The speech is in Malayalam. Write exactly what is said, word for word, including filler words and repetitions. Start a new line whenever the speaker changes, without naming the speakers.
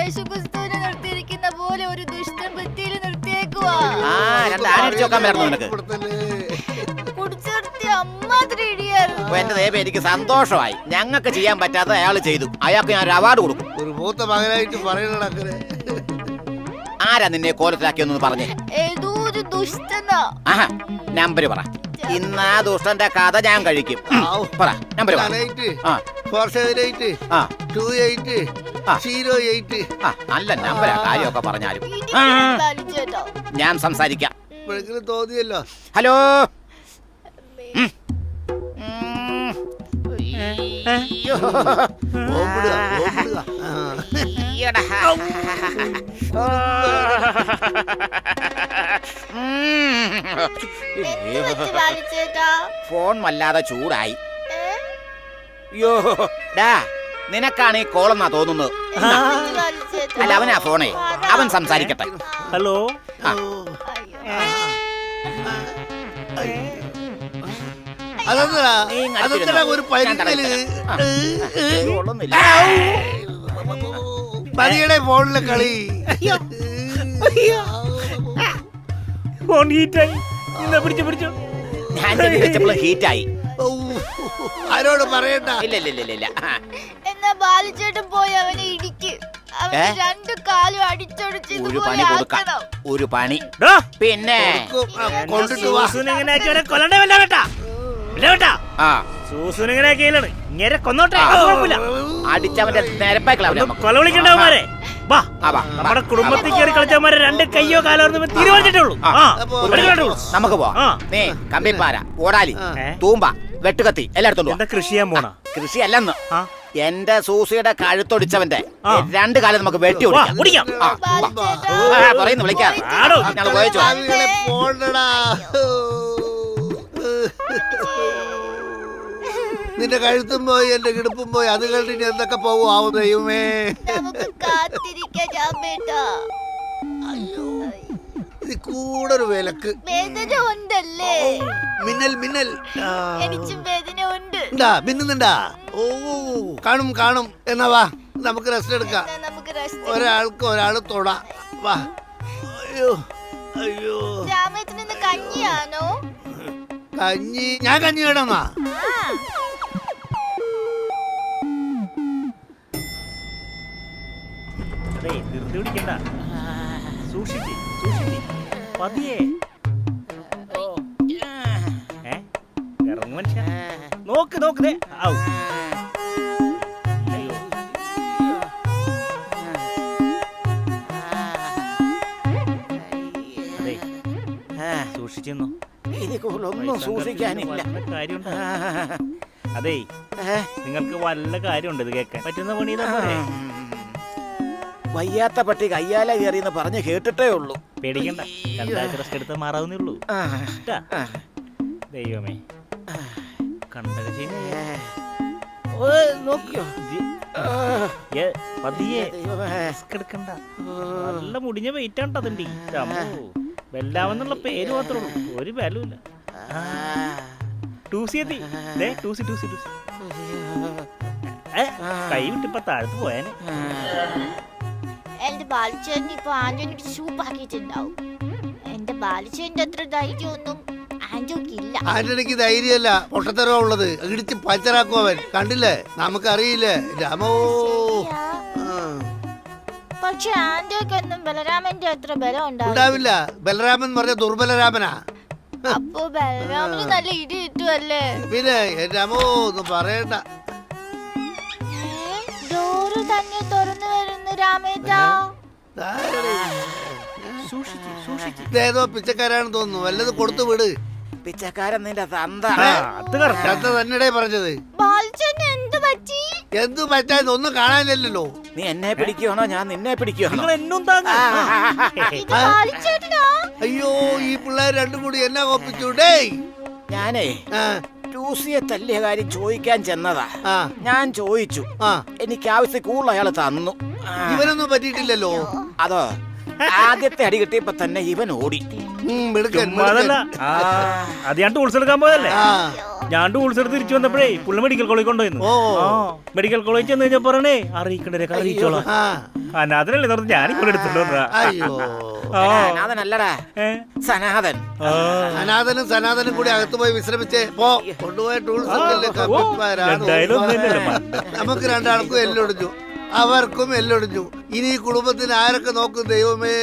യേശുക്രിസ്തുവിനെ നിർത്തിയിരിക്കുന്ന പോലെ ഒരു ദുഷ്ടൻ ഭിത്തിയിൽ നിർത്തിയേക്കുവാ.
എന്റെ ദേവ എനിക്ക് സന്തോഷമായി. ഞങ്ങൾക്ക് ചെയ്യാൻ പറ്റാത്ത അയാൾ ചെയ്തു. അയാൾക്ക് ഞാൻ ഒരു അവാർഡ് കൊടുക്കും.
ഒരു മൂത്ത മകനായിട്ട് പറയണ.
ആരാ നിന്നെ കോലത്തിലാക്കിയൊന്നു പറഞ്ഞേ?
ഏതോ ഒരു ദുഷ്ടനാ.
ആഹാ, നമ്പര് പറ. ഇന്ന് ആ ദുഷ്ടന്റെ കഥ ഞാൻ കഴിക്കും. പറ നമ്പര്. നല്ല നമ്പരാ. കാര്യമൊക്കെ പറഞ്ഞാലും ഞാൻ സംസാരിക്കാം.
തോന്നിയല്ലോ.
ഹലോ. ഫോൺ വല്ലാതെ ചൂടായി. യോ ഡാ, നിനക്കാണ് ഈ കോളെന്നാ തോന്നുന്നത്. അല്ല, അവനാ ഫോണേ. അവൻ സംസാരിക്കട്ടെ.
ഹലോ.
ഒരു പതിയുടെ ഫോണിലെ കളി.
ഫോൺ ഹീറ്റായി. പിടിച്ചു പിടിച്ചു.
ഞാൻ വിളിച്ചപ്പോൾ ഹീറ്റായി.
ആരോട് പറയണ്ട.
ഇല്ല ഇല്ല ഇല്ല ഇല്ല.
എന്നാ ബാലിച്ചേട്ടൻ പോയി അവനെ ഇടിക്ക്. രണ്ടു കാലും അടിച്ചൊടിച്ച്
ഒരു പണി കൊടുക്കാം. ഒരു പണി. പിന്നെ അടിച്ചവന്റെ
കൊല വിളിക്കണ്ടവന്മാരെ. നമ്മുടെ കുടുംബത്തിൽ കയറി കളിച്ചവന്മാരെ രണ്ട് കയ്യോ കാലോ തീരുമാനിച്ചിട്ടുള്ളൂ.
നമുക്ക് പോവാം. നീ കമ്പിപ്പാര, ഓടാലി, തൂമ്പ, വെട്ടുകത്തി എല്ലായിടത്തും.
കൃഷി ചെയ്യാൻ പോണ?
കൃഷി അല്ലെന്ന്. എന്റെ സൂസിയുടെ കഴുത്തൊടിച്ചവന്റെ രണ്ട് കാലം നമുക്ക് വെട്ടി ഓടിക്കാം. പറയുന്നു വിളിക്കാം.
നിന്റെ കഴുത്തും പോയി എന്റെ കിടപ്പും പോയി. അത് കണ്ടിട്ട് എന്തൊക്കെ പോവും ദൈവമേ. കൂടെ ഒരു വിലക്ക് മിന്നൽ മിന്നൽ മിന്നുന്നുണ്ടാ? ഓ കാണും കാണും. എന്നാ വാ, നമുക്ക് റെസ്റ്റ് എടുക്കാം. ഒരാൾക്ക് ഒരാൾ തൊടാ. വാ. അയ്യോ അയ്യോ.
കഞ്ഞിയാണോ?
കഞ്ഞി? ഞാൻ കഞ്ഞി വേണമെന്നാ?
ധൃതി പിടിക്കണ്ട. സൂക്ഷിച്ച് സൂക്ഷിച്ച് പതിയെ. ഇറങ്ങു മനുഷ്യ. നോക്ക് നോക്ക്. സൂക്ഷിച്ചെന്നോ?
ഒന്നും സൂക്ഷിക്കാനില്ല.
കാര്യമുണ്ട്. അതേ, നിങ്ങൾക്ക് വല്ല കാര്യമുണ്ട് ഇത് കേൾക്കാൻ പറ്റുന്ന പണി.
വയ്യാത്ത പട്ടി കയ്യാല കയറിയെന്ന് പറഞ്ഞ് കേട്ടിട്ടേ ഉള്ളൂ.
പേടിക്കണ്ട, രണ്ടാഴ്ച റെസ്റ്റ് എടുത്താൽ മാറാവുന്നേ ഉള്ളൂ. ദൈവമേ, കണ്ടക നോക്കിയോ? പതിയെ എടുക്കണ്ട. നല്ല മുടിഞ്ഞ വെയിറ്റ് ആണ് അതിൻ്റെ. വെല്ലാമെന്നുള്ള പേര് മാത്രമേ ഉള്ളൂ, ഒരു ബലമില്ല. ടൂസി എത്തി. ടൂസി ടൂസി ടൂസി കൈ വിട്ടിപ്പോ താഴത്ത് പോയാനെ.
എന്റെ ബാലിച്ചേട്ടൻ ഇപ്പൊ ആന്റോണിക്ക് സൂപ്പാക്കിയിട്ടുണ്ടാവും. എന്റെ ബാലിച്ചേട്ടന്റെ അത്ര ധൈര്യമൊന്നും ആന്റോക്കില്ല.
ആന്റണിക്ക് ധൈര്യമല്ല, പൊട്ടത്തരവാ ഉള്ളത്. ഇടിച്ച് പഞ്ചറാക്കും അവൻ. കണ്ടില്ലേ? നമുക്കറിയില്ലേ രാമോ.
പക്ഷെ ആന്റോക്കൊന്നും ബലരാമന്റെ അത്ര ബലം
ഉണ്ടാവില്ല. ബലരാമൻ പറഞ്ഞ ദുർബലരാമനാ.
അപ്പൊ ബലരാമന് നല്ല ഇടി കിട്ടുമല്ലേ?
പിന്നെ രാമോ ഒന്നും പറയണ്ട.
ഡോറ് തന്നെ തുറന്നു വരുന്നു രാമേട്ടാ.
ഏതോ പിച്ചക്കാരാണെന്ന് തോന്നുന്നു. വല്ലത് കൊടുത്തു വിട്.
പിച്ചക്കാരൻ നിന്റെ തന്ത
തന്നെടേ പറഞ്ഞത്. എന്തു പറ്റാൻ ഒന്നും കാണാനില്ലല്ലോ.
നീ എന്നെ പിടിക്കുകയാണോ ഞാൻ നിന്നെ പിടിക്കുകയാണോ?
അയ്യോ, ഈ പിള്ളേർ രണ്ടും കൂടി എന്നെ കോപ്പിച്ചൂടേ.
ഞാനേ ടൂസിയെ തല്ലിയ കാര്യം ചോദിക്കാൻ ചെന്നതാ. ഞാൻ ചോദിച്ചു, എനിക്ക് ആവശ്യം കൂടുതൽ അയാൾ തന്നു.
ഇവനൊന്നും പറ്റിയിട്ടില്ലല്ലോ.
അതോ ആദ്യത്തെ അടി കിട്ടിയപ്പോ തന്നെ ഇവൻ ഓടി.
അത് ഞാൻ ടൂൾസ് എടുക്കാൻ പോയതല്ലേ. ഞാൻ ടൂൾസ് എടുത്ത് തിരിച്ചു വന്നപ്പോഴേ പുള്ളി മെഡിക്കൽ കോളേജ് കൊണ്ടുപോയിരുന്നു. ആ മെഡിക്കൽ കോളേജ് ചെന്ന് കഴിഞ്ഞാൽ പറയണേ അറിയിക്കണ്ടേ അറിയിച്ചോളാം. അനാഥനല്ലേ പറഞ്ഞ് ഞാൻ ഇവിടെ എടുത്തിട്ടുണ്ടാ.
അയ്യോ
അനാഥനല്ലടാ, സനാഥൻ.
അനാഥനും സനാതനും കൂടി അകത്ത് പോയി വിശ്രമിച്ചേ പോ. കൊണ്ടുപോയ ടൂൾസ് നമുക്ക് രണ്ടാൾക്കും എല്ലൊടിഞ്ഞു, അവർക്കും എല്ലൊടിഞ്ഞു. ഇനി ഈ കുടുംബത്തിന് ആരൊക്കെ നോക്കും ദൈവമേ?